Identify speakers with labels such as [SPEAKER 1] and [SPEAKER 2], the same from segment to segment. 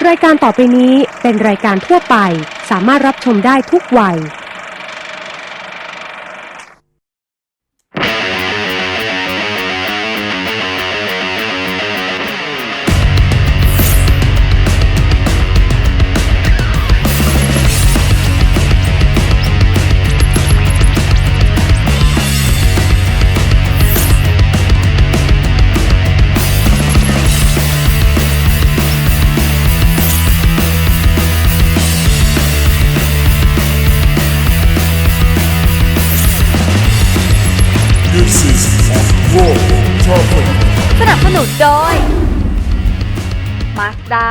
[SPEAKER 1] รายการต่อไปนี้เป็นรายการทั่วไปสามารถรับชมได้ทุกวัย
[SPEAKER 2] สนับสนุนโดย Mazda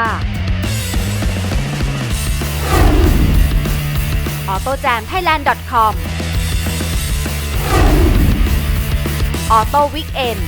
[SPEAKER 2] AutoJamThailand.com Auto Weekend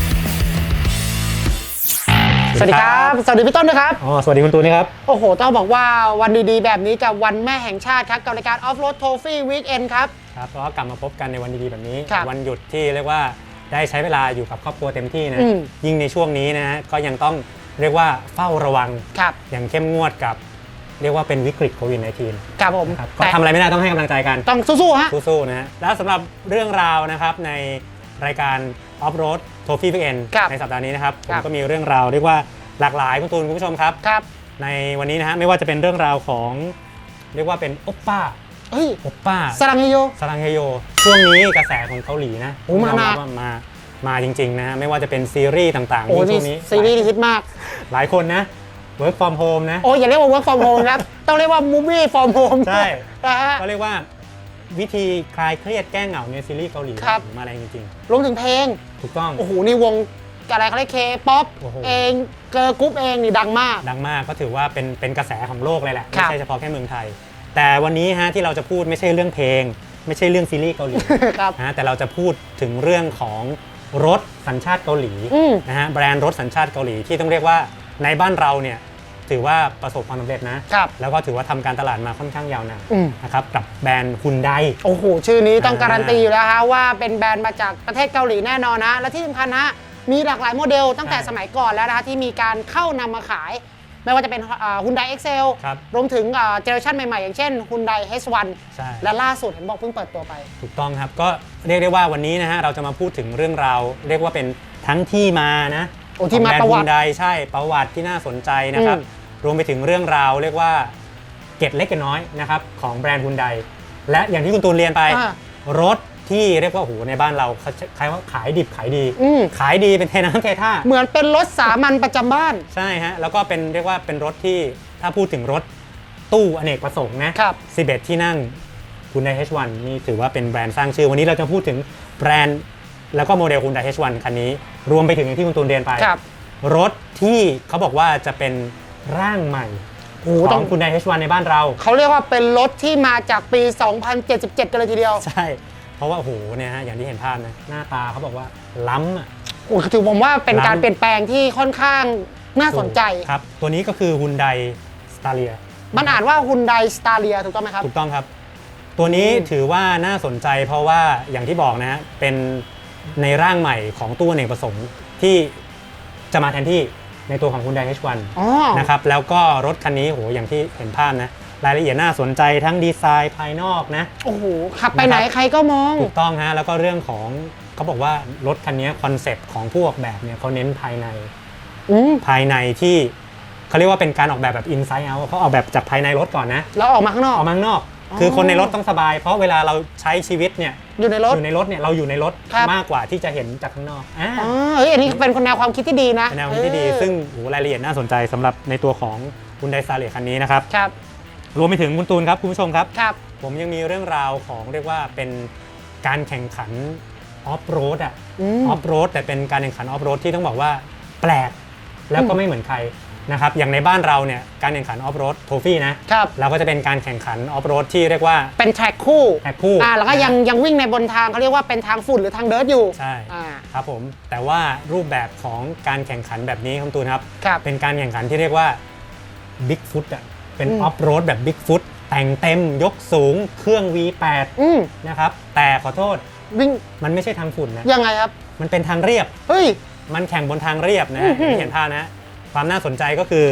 [SPEAKER 3] สวัสดีครับสวัสดีพี่ต้นนะครับ
[SPEAKER 4] สวัสดีคุณตูนนะครับ
[SPEAKER 3] โอ้โหต้องบอกว่าวันดีๆแบบนี้กับวันแม่แห่งชาติครับกับรายการ Off Road Trophy Weekend ครับ
[SPEAKER 4] ครับก็กลับมาพบกันในวันดีๆแบบนี้
[SPEAKER 3] วัน
[SPEAKER 4] หยุดที่เรียกว่าได้ใช้เวลาอยู่กับครอบครัวเต็มที่นะยิ่งในช่วงนี้นะฮะก็ยังต้องเรียกว่าเฝ้าระวังอย่างเข้มงวดกับเรียกว่าเป็นวิกฤตโควิด -19
[SPEAKER 3] ครับผม
[SPEAKER 4] ก็ทำอะไรไม่ได้ต้องให้กำลังใจกัน
[SPEAKER 3] ต้องสู้ๆฮะ
[SPEAKER 4] สู้ๆนะฮะแล้วสำหรับเรื่องราวนะครับในรายการ Off Road Trophy Weekend ในสัปดาห์นี้นะครับผมก็มีเรื่องราวเรียกว่าหลากหลายคุณตูนคุณผู้ชมครับในวันนี้นะฮะไม่ว่าจะเป็นเรื่องราวของเรียกว่าเป็นโอปป้าโอปป้า
[SPEAKER 3] สรังเฮโย
[SPEAKER 4] ช่วงนี้กระแสของเกาหลีนะ
[SPEAKER 3] มา
[SPEAKER 4] จริงๆนะไม่ว่าจะเป็นซีรีส์ต่างๆ
[SPEAKER 3] ช่วงนี้ซีรีส์ฮิตมาก
[SPEAKER 4] หลายคนนะ work from home นะ
[SPEAKER 3] อย่าเรียกว่า work from home ครับต้องเรียกว่า movie from home
[SPEAKER 4] ใช่ก็เรียกว่าวิธีคลายเครียดแก้เหงาในซีรีส์เกาหลีมาอะไรจริง
[SPEAKER 3] ๆรวมถึงเพลง
[SPEAKER 4] ถูกต้อง
[SPEAKER 3] โอ้โหนี่วงอะไรเขาเรียกเคป๊อปเองเกิร์ลกรุ๊ปเองนี่ดังมาก
[SPEAKER 4] ก็ถือว่าเป็นกระแสของโลกเลยแหละไม่ใช่เฉพาะแค่เมืองไทยแต่วันนี้ฮะที่เราจะพูดไม่ใช่เรื่องเพลงไม่ใช่เรื่องซีรีส์เกาหลีนะแต่เราจะพูดถึงเรื่องของรถสัญชาติเกาหลีนะฮะแบรนด์รถสัญชาติเกาหลีที่ต้องเรียกว่าในบ้านเราเนี่ยถือว่าประสบความสำเร็จนะแล้วก็ถือว่าทำการตลาดมาค่อนข้างยาวนานนะครับกับแบรนด์ฮุนได
[SPEAKER 3] โอ้โหชื่อนี้ต้องการันตีอยู่แล้วฮะว่าเป็นแบรนด์มาจากประเทศเกาหลีแน่นอนนะและที่สำคัญฮะมีหลากหลายโมเดลตั้งแต่สมัยก่อนแล้วนะคะที่มีการเข้านำมาขายไม่ว่าจะเป็น Hyundai Excel รวมถึงเจเนอเรชันใหม่ๆอย่างเช่น Hyundai H1 และล่าสุดเห็นบอกเพิ่งเปิดตัวไป
[SPEAKER 4] ถูกต้องครับก็เรียกได้ว่าวันนี้นะฮะเราจะมาพูดถึงเรื่องราวเรียกว่าเป็นทั้งที่มานะ
[SPEAKER 3] ที่มาประวัติ
[SPEAKER 4] Hyundai ใช่ประวัติที่น่าสนใจนะครับรวมไปถึงเรื่องราวเรียกว่าเกร็ดเล็กเกร็ดน้อยนะครับของแบรนด์ Hyundai และอย่างที่คุณตูนเรียนไปรถที่เรียกว่าโหในบ้านเราใครว่าขายดิบขายดีเป็นเทน้ำเทท่า
[SPEAKER 3] เหมือนเป็นรถสามัญประจำบ้าน
[SPEAKER 4] ใช่ฮะแล้วก็เป็นเรียกว่าเป็นรถที่ถ้าพูดถึงรถตู้อเนกประสงค์นะ11ที่นั่ง Hyundai H1 นี่ถือว่าเป็นแบรนด์สร้างชื่อวันนี้เราจะพูดถึงแบรนด์แล้วก็โมเดล Hyundai H1 คันนี้รวมไปถึงอย่างที่คุณตูนเรียนไปรถที่เขาบอกว่าจะเป็นร่างใหม่ของ Hyundai H1 ในบ้านเรา
[SPEAKER 3] เขาเรียกว่าเป็นรถที่มาจากปี 2077 กันเลยทีเดียว
[SPEAKER 4] ใช่เพราะว่าโอ้โหเนี่ยฮะอย่างที่เห็นภาพนะหน้าตาเขาบอกว่าล้ำอ่ะ
[SPEAKER 3] ถือผมว่าเป็นการเปลี่ยนแปลงที่ค่อนข้างน่าสนใจ
[SPEAKER 4] ครับตัวนี้ก็คือ Hyundai Staria
[SPEAKER 3] มันอ่านว่า Hyundai Staria ถูกต้องไหมครับ
[SPEAKER 4] ถูกต้องครับตัวนี้ถือว่าน่าสนใจเพราะว่าอย่างที่บอกนะฮะเป็นในร่างใหม่ของตู้อเนกประสงค์ที่จะมาแทนที่ในตัวของ Hyundai H1 นะครับแล้วก็รถคันนี้โหอย่างที่เห็นภาพนะรายละเอียดน่าสนใจทั้งดีไซน์ภายนอกนะ
[SPEAKER 3] โอ้โหขับไปไหนใครก็มอง
[SPEAKER 4] ถูกต้องฮะแล้วก็เรื่องของเขาบอกว่ารถคันนี้คอนเซปต์ของผู้ออกแบบเนี่ยเขาเน้นภายในที่เขาเรียกว่าเป็นการออกแบบ inside out เขาออกแบบจากภายในรถก่อนนะ
[SPEAKER 3] แล้วออกมาข้างนอก
[SPEAKER 4] คือคนในรถต้องสบายเพราะเวลาเราใช้ชีวิตเนี่ย
[SPEAKER 3] อยู่ในรถ
[SPEAKER 4] เนี่ยเราอยู่ในรถมากกว่าที่จะเห็นจากข้างนอก
[SPEAKER 3] อันนี้เป็นแนวความคิดที่ดีนะ
[SPEAKER 4] แนวความคิดที่ดีซึ่งรายละเอียดน่าสนใจสำหรับในตัวของ Hyundai Staria คันนี้นะครับรวมไปถึงคุณตูนครับคุณผู้ชมครับผมยังมีเรื่องราวของเรียกว่าเป็นการแข่งขันออฟโรดออฟโรดแต่เป็นการแข่งขันออฟโรดที่ต้องบอกว่าแปลกแล้วก็ไม่เหมือนใครนะครับอย่างในบ้านเราเนี่ยการแข่งขันออฟโรดโทฟี่นะเราก็จะเป็นการแข่งขันออฟโรดที่เรียกว่า
[SPEAKER 3] เป็นแทร็กคู่แล้วก็ยังวิ่งในบนทางเขาเรียกว่าเป็นทางฝุ่นหรือทางเดิร์ทอยู่
[SPEAKER 4] ใช่ครับผมแต่ว่ารูปแบบของการแข่งขันแบบนี้คุณตูนครับเป็นการแข่งขันที่เรียกว่าบิ๊กฟุตเป็นออฟโรดแบบบิ๊กฟุตแต่งเต็มยกสูงเครื่อง V8 นะครับแต่ขอโทษ
[SPEAKER 3] วิ่ง
[SPEAKER 4] มันไม่ใช่ทางฝุ่นนะ
[SPEAKER 3] ยังไงครับ
[SPEAKER 4] มันเป็นทางเรียบมันแข่งบนทางเรียบนะเห็นภาพนะความน่าสนใจก็คือแข่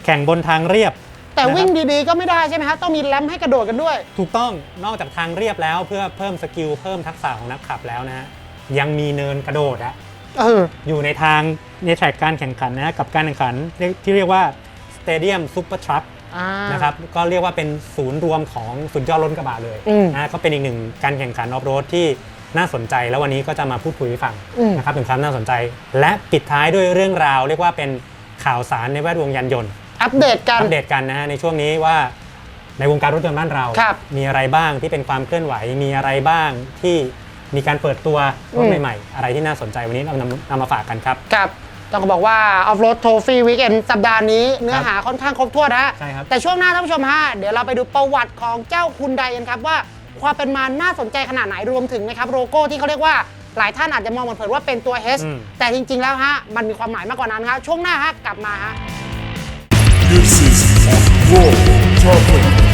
[SPEAKER 4] ข่งบนทางเรียบ
[SPEAKER 3] แต่วิ่งดีๆก็ไม่ได้ใช่ไหมฮะต้องมีแรมให้กระโดดกันด้วย
[SPEAKER 4] ถูกต้องนอกจากทางเรียบแล้วเพื่อเพิ่มสกิลเพิ่มทักษะของนักขับแล้วนะฮะยังมีเนินกระโดดอยู่ในทางในแทร็กการแข่งขันนะกับการแข่งขันที่เรียกว่า Stadium Super Truck นะครับก็เรียกว่าเป็นศูนย์รวมของสุดยอดรถกระบะเลยนะก็เป็นอีกหนึ่งการแข่งขันออฟโรดที่น่าสนใจแล้ววันนี้ก็จะมาพูดคุยให้ฟังนะครับถึงความน่าสนใจและปิดท้ายด้วยเรื่องราวเรียกว่าเป็นข่าวสารในแวดวงยานยนต์
[SPEAKER 3] อัปเดต
[SPEAKER 4] กันนะฮะในช่วงนี้ว่าในวงการรถยนต์บ้านเรามีอะไรบ้างที่เป็นความเคลื่อนไหวมีอะไรบ้างที่มีการเปิดตัวรถใหม่ๆอะไรที่น่าสนใจวันนี้เรานำมาฝากกันครับ
[SPEAKER 3] ต้องบอกว่า Off-Road Trophy Weekend สัปดาห์นี้เนื้อหาค่อนข้างครบถ้วนนะ
[SPEAKER 4] ใช่ครับ
[SPEAKER 3] แต่ช่วงหน้าท่านผู้ชมฮะเดี๋ยวเราไปดูประวัติของเจ้าฮุนไดกันครับว่าความเป็นมาน่าสนใจขนาดไหนรวมถึงนะครับโลโก้ที่เขาเรียกว่าหลายท่านอาจจะมองเผินๆว่าเป็นตัว H แต่จริงๆแล้วฮะมันมีความหมายมากกว่านั้นครับช่วงหน้าฮะกลับมาฮะ
[SPEAKER 5] This is Off-Road Topic